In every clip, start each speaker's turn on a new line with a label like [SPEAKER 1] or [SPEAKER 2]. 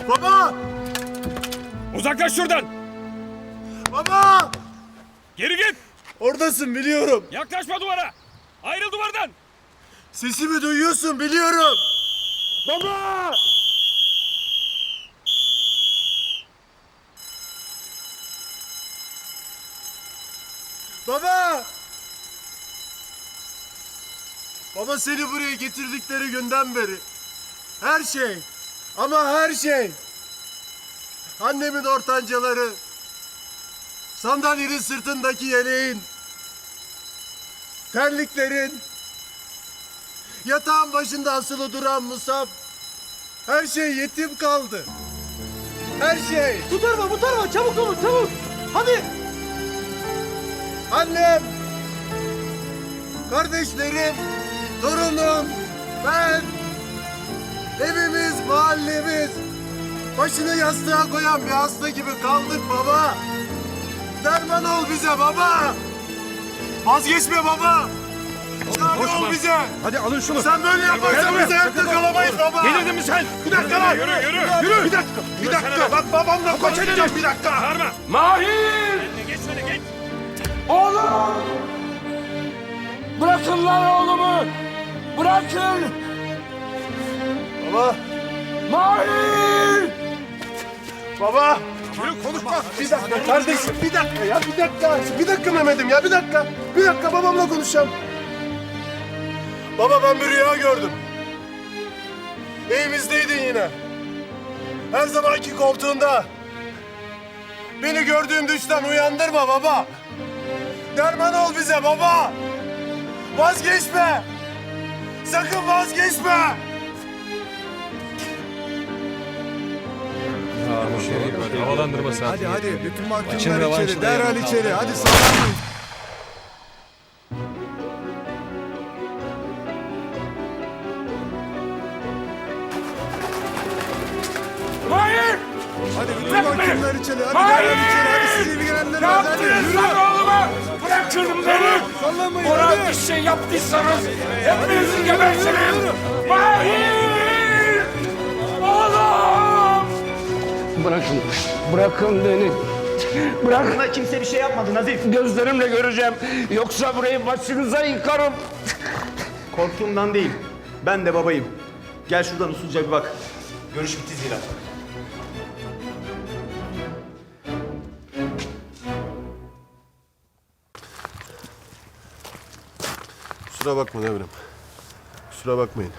[SPEAKER 1] Baba!
[SPEAKER 2] Uzaklaş şuradan.
[SPEAKER 1] Baba!
[SPEAKER 2] Geri git.
[SPEAKER 1] Oradasın biliyorum.
[SPEAKER 2] Yaklaşma duvara. Ayrıl duvardan.
[SPEAKER 1] Sesimi duyuyorsun biliyorum. Baba! Baba! Baba seni buraya getirdikleri günden beri her şey ama her şey annemin ortancaları, sandalyenin sırtındaki yeleğin, terliklerin, yatağın başında asılı duran Musab, her şey yetim kaldı. Her şey.
[SPEAKER 3] Bu tarafa çabuk olun çabuk. Hadi.
[SPEAKER 1] Annem, kardeşlerim, torunum, ben, evimiz, mahallemiz, başını yastığa koyan bir hasta gibi kaldık baba. Derman ol bize baba. Vazgeçme baba. Çare ol bize.
[SPEAKER 4] Hadi alın şunu.
[SPEAKER 1] Sen böyle yaparsan biz ayakta kalamayız baba.
[SPEAKER 4] Delirdin mi sen?
[SPEAKER 1] Bir dakika lan.
[SPEAKER 2] Yürü.
[SPEAKER 1] Bir dakika. Bak babamla konuşacağım bir dakika.
[SPEAKER 2] Bağırma.
[SPEAKER 4] Mahir!
[SPEAKER 2] Geç şöyle geç.
[SPEAKER 4] Oğlum! Bırakın lan oğlumu! Bırakın!
[SPEAKER 1] Baba.
[SPEAKER 4] Mahir!
[SPEAKER 1] Baba.
[SPEAKER 2] Yürü konuşma.
[SPEAKER 1] Bir dakika kardeşim. Bir dakika ya. Bir dakika. Bir dakika Mehmet'im ya. Bir dakika. Bir dakika babamla konuşacağım. Baba ben bir rüya gördüm. Evimizdeydin yine. Her zamanki koltuğunda. Beni gördüğüm düşten uyandırma baba. Derman ol bize baba. Vazgeçme. Sakın vazgeçme.
[SPEAKER 2] Havalandırma saati.
[SPEAKER 5] Hadi bütün mahkumlar içeri, derhal içeri. Hadi sağlam.
[SPEAKER 4] Mahir!
[SPEAKER 5] Hadi bütün
[SPEAKER 4] Bırak beni!
[SPEAKER 5] mahkumlar içeri. Hadi
[SPEAKER 4] Hayır!
[SPEAKER 5] derhal içeri. Hadi sizi ilgilendirmez.
[SPEAKER 4] Ne
[SPEAKER 5] Hadi
[SPEAKER 4] yaptınız
[SPEAKER 5] yürü.
[SPEAKER 4] lan oğluma? Bırakın beni!
[SPEAKER 5] Sallamayın
[SPEAKER 4] Ona
[SPEAKER 5] hadi.
[SPEAKER 4] bir şey yaptıysanız hepinizi gebertirim! Mahir! Oğlum! Bırakın beni. Bırak.
[SPEAKER 3] Buna kimse bir şey yapmadı Nazif.
[SPEAKER 4] Gözlerimle göreceğim. Yoksa burayı başınıza yıkarım.
[SPEAKER 3] Korktuğumdan değil. Ben de babayım. Gel şuradan usulca bir bak. Görüş bitti zira.
[SPEAKER 1] Kusura bakma Devrim. Kusura bakmayın.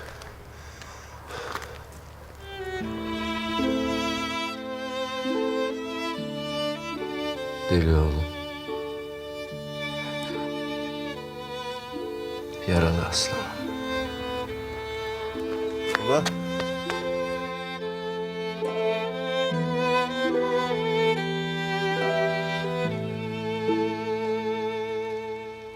[SPEAKER 6] Deli oğlum. Yaralı aslanım.
[SPEAKER 1] Baba.